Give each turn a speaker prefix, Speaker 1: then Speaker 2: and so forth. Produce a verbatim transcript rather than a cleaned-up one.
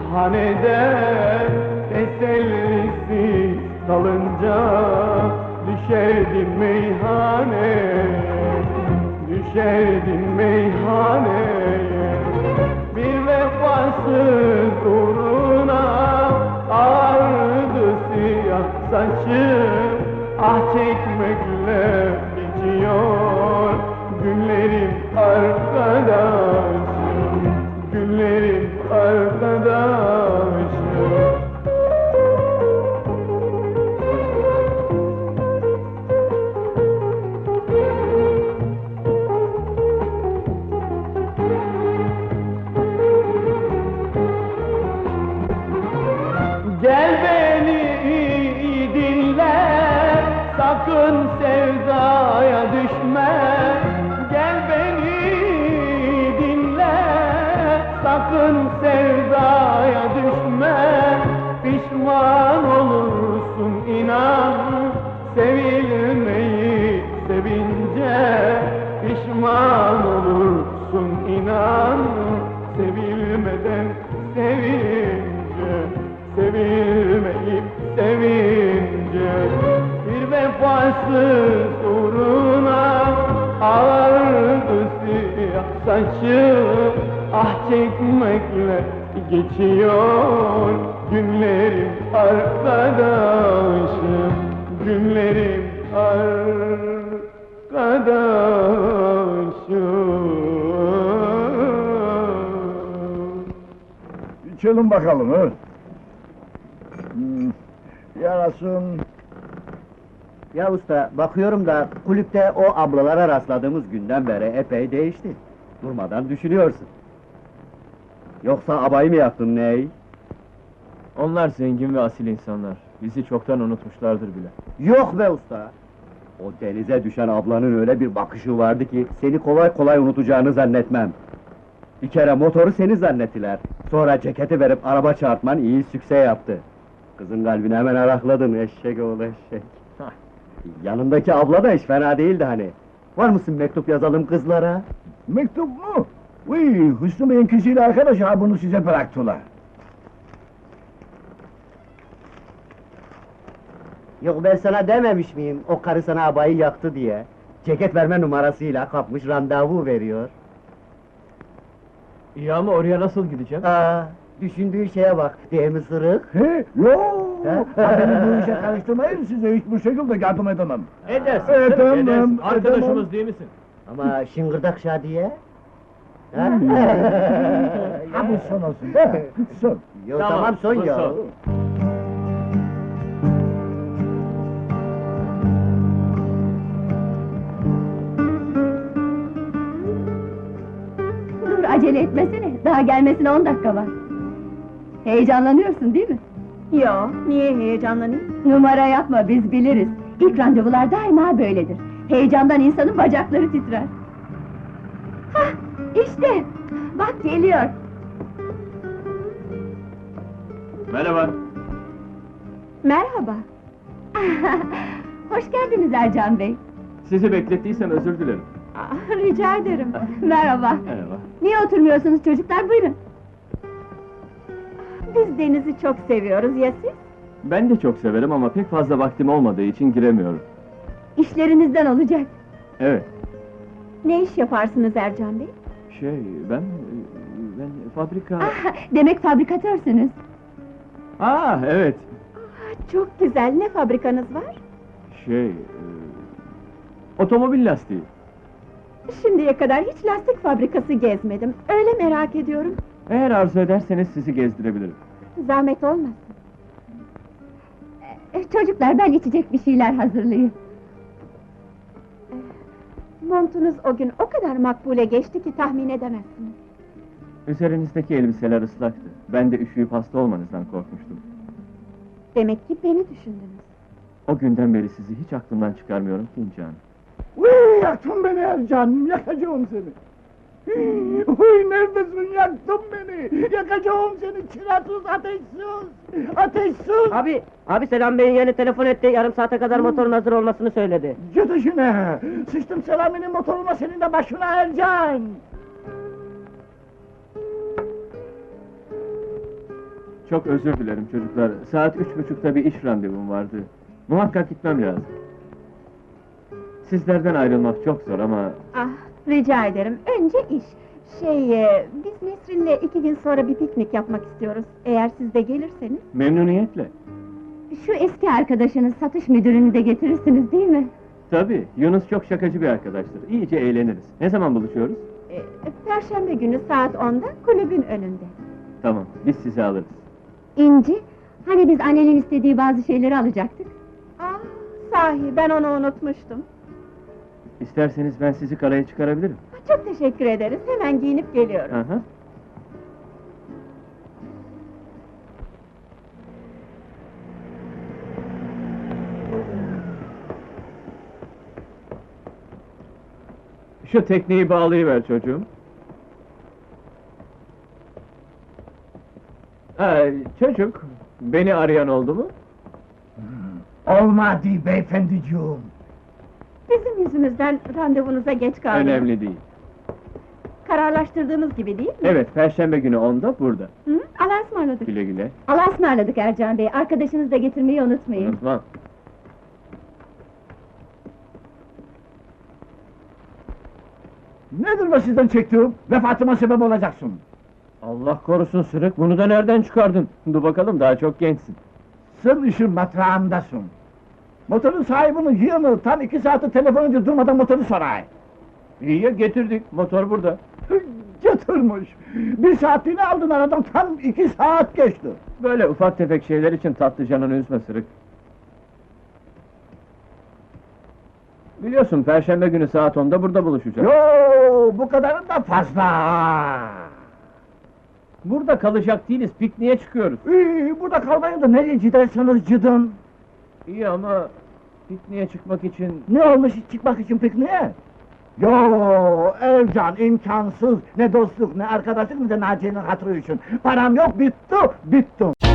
Speaker 1: Hanede tesellisiz kalınca düşerdin meyhaneye, düşerdin meyhaneye. Bir vefasız uğruna ağardı siyah saçım, ah çekmekle geçiyor günlerim arkadaşım, günlerim arkadaşım. Gel beni iyi dinle, sakın sevdaya düşme. Gel beni dinle, sakın sevdaya düşme. Pişman olursun inan, sevilmeyi sevince. Pişman olursun inan, sevilmeden sevince, sevilmeyip sevince. Bir vefasız uğruna ağardı siyah saçım, ah çekmekle geçiyor günlerim arkadaşım, günlerim arkadaşım.
Speaker 2: İçelim bakalım ha. Hmm, yarasın.
Speaker 3: Ya usta, bakıyorum da kulüpte o ablalara rastladığımız günden beri epey değişti. Durmadan düşünüyorsun. Yoksa abayı mı yaptın ney?
Speaker 4: Onlar zengin ve asil insanlar. Bizi çoktan unutmuşlardır bile.
Speaker 3: Yok be usta! O denize düşen ablanın öyle bir bakışı vardı ki, seni kolay kolay unutacağını zannetmem. Bir kere motoru seni zannettiler. Sonra ceketi verip araba çarpman iyi sükse yaptı. Kızın kalbini hemen arakladın, eşek oğlu eşek.
Speaker 4: Hah.
Speaker 3: Yanındaki abla da hiç fena değildi hani. Var mısın mektup yazalım kızlara?
Speaker 2: Mektup mu? Uy, Hüsnü Bey'in kızıyla arkadaş ha, bunu size bıraktılar.
Speaker 3: Yok ben sana dememiş miyim, o karı sana abayı yaktı diye? Ceket verme numarasıyla kapmış, randevu veriyor.
Speaker 4: İyi ama oraya nasıl gideceğim?
Speaker 3: Aa, düşündüğün şeye bak, değil mi sırık?
Speaker 2: He? Yo!
Speaker 3: He?
Speaker 2: Ha, beni bu işe karıştırmayın, size hiçbir şekilde yardım edemem.
Speaker 4: Edersin,
Speaker 2: Edemem,
Speaker 4: canım, edersin.
Speaker 2: edemem.
Speaker 4: Arkadaşımız değil misin?
Speaker 3: Ama şıngırdak Şadiye? Ha?
Speaker 2: Ha bu son olsun, değil mi? Son.
Speaker 3: Yo, tamam, son
Speaker 4: bu
Speaker 3: ya.
Speaker 4: son.
Speaker 5: Dur, acele etmesene, daha gelmesine on dakika var. Heyecanlanıyorsun değil mi?
Speaker 6: Yo, niye heyecanlanayım?
Speaker 5: Numara yapma, biz biliriz. İlk randevular daima böyledir. Heyecandan insanın bacakları titrer. Hah, işte! Bak geliyor!
Speaker 4: Merhaba.
Speaker 5: Merhaba! Hoş geldiniz Ercan Bey!
Speaker 4: Sizi beklettiysem özür dilerim.
Speaker 5: Ah, rica ederim! Merhaba!
Speaker 4: Merhaba.
Speaker 5: Niye oturmuyorsunuz çocuklar, buyurun!
Speaker 6: Biz denizi çok seviyoruz, ya siz?
Speaker 4: Ben de çok severim ama pek fazla vaktim olmadığı için giremiyorum.
Speaker 5: İşlerinizden olacak!
Speaker 4: Evet.
Speaker 6: Ne iş yaparsınız Ercan Bey?
Speaker 4: Şey, ben... ben fabrika...
Speaker 5: Ah, demek fabrikatörsünüz!
Speaker 4: Ah, evet.
Speaker 6: Ah, çok güzel, ne fabrikanız var?
Speaker 4: Şey... e, otomobil lastiği.
Speaker 6: Şimdiye kadar hiç lastik fabrikası gezmedim, öyle merak ediyorum.
Speaker 4: Eğer arzu ederseniz sizi gezdirebilirim.
Speaker 6: Zahmet olmasın.
Speaker 5: Eh, Çocuklar, ben içecek bir şeyler hazırlayayım.
Speaker 6: Montunuz o gün o kadar makbule geçti ki tahmin edemezsiniz.
Speaker 4: Üzerinizdeki elbiseler ıslaktı. Ben de üşüyüp hasta olmanızdan korkmuştum.
Speaker 6: Demek ki beni düşündünüz.
Speaker 4: O günden beri sizi hiç aklımdan çıkarmıyorum ki İnci Hanım.
Speaker 2: Uy, yaktın beni Ercan, yakacağım seni. Hii, Uy, neredesin, yaktın beni! Yakacağım seni, çırasız, ateşsiz! Ateşsiz!
Speaker 7: Abi, abi Selam Bey'in yeni telefon etti, yarım saate kadar motorun hazır olmasını söyledi.
Speaker 2: Git işine! Sıçtım Selami'nin motoruna, senin de başına Ercan!
Speaker 4: Çok özür dilerim çocuklar. Saat üç buçukta bir iş randevum vardı. Muhakkak gitmem lazım. Sizlerden ayrılmak çok zor ama...
Speaker 6: Ah, rica ederim. Önce iş. Şey, e, biz Nesrin'le iki gün sonra bir piknik yapmak istiyoruz. Eğer siz de gelirseniz.
Speaker 4: Memnuniyetle.
Speaker 5: Şu eski arkadaşınız satış müdürünü de getirirsiniz değil mi?
Speaker 4: Tabii, Yunus çok şakacı bir arkadaştır. İyice eğleniriz. Ne zaman buluşuyoruz?
Speaker 6: E, Perşembe günü saat onda kulübün önünde.
Speaker 4: Tamam, biz sizi alırız.
Speaker 5: İnci, hani biz annenin istediği bazı şeyleri alacaktık?
Speaker 6: Ah, sahi ben onu unutmuştum.
Speaker 4: İsterseniz ben sizi karaya çıkarabilirim.
Speaker 6: Çok teşekkür ederiz. Hemen giyinip geliyorum.
Speaker 4: Aha. Şu tekneyi bağlayıver çocuğum. Ha, çocuk, beni arayan oldu mu?
Speaker 2: Olmadı beyefendiciğim.
Speaker 6: Bizim yüzümüzden randevunuza geç kaldık.
Speaker 4: Önemli değil.
Speaker 6: Kararlaştırdığımız gibi değil mi?
Speaker 4: Evet, Perşembe günü onda burada.
Speaker 6: Hı? Allah'a ısmarladık.
Speaker 4: Güle güle.
Speaker 5: Allah'a ısmarladık Ercan Bey, arkadaşınızı da getirmeyi unutmayın.
Speaker 4: Unutmam.
Speaker 2: Nedir bu sizden çektiğim? Vefatıma sebep olacaksın.
Speaker 4: Allah korusun Sırık, bunu da nereden çıkardın? Dur bakalım, daha çok gençsin.
Speaker 2: Sır işin matrağındasın. Motorun sahibinin yığını tam iki saati telefon önce durmadan motoru soray.
Speaker 4: İyi ya, getirdik, motor burada.
Speaker 2: Götürmüş. Bir saatliğini aldın aradan tam iki saat geçti.
Speaker 4: Böyle ufak tefek şeyler için tatlı canını üzme Sırık. Biliyorsun, Perşembe günü saat onda burada buluşacağız.
Speaker 2: Yo, bu kadarın da fazla.
Speaker 4: Burada kalacak değiliz, pikniğe çıkıyoruz.
Speaker 2: Ee, burada kalmayın da nereye giderseniz gidin.
Speaker 4: İyi ama pikniğe çıkmak için...
Speaker 2: Ne olmuş çıkmak için pikniğe? Yo, Ercan imkansız. Ne dostluk, ne arkadaşlık, ne de Naciye'nin hatırı için. Param yok, bitti, bittim.